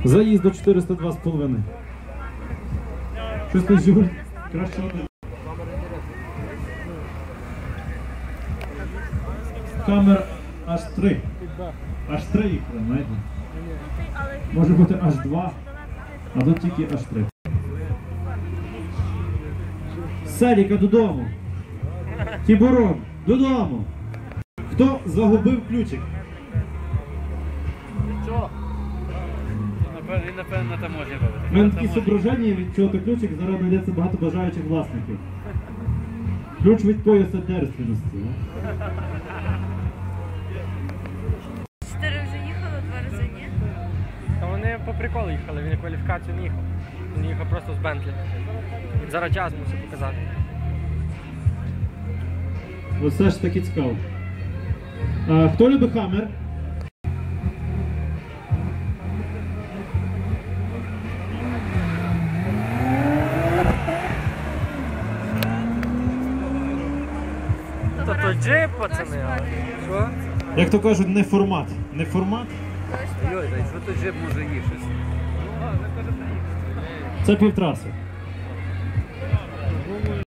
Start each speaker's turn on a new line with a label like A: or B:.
A: Заїзд до 402,5. Щось ти, Жуль? Краще. Камер аж 3. Аж 3 їх, знаєте? Може бути аж 2, а тут тільки аж 3. Селіка додому. Тібурон, додому. Хто загубив ключик?
B: Що? Він, напевно, на таможні робить.
A: У мене такі зображення, від чого то ключик, зараз знайдеться багато бажаючих власників. Ключ від пояса дерственності.
C: 4 вже їхали, 2 рази ні.
D: Та вони по приколу їхали, він кваліфікацію не їхав. Він їхав просто з Бентлі. Він зараз час мусив показати.
A: Оце ж таки цікаво. Хто любить Хаммер?
D: Та то джип, пацани. Що?
A: Як то кажуть, не формат. Не формат?
B: Йой, та що той джип може їхати?
A: Це півтраси.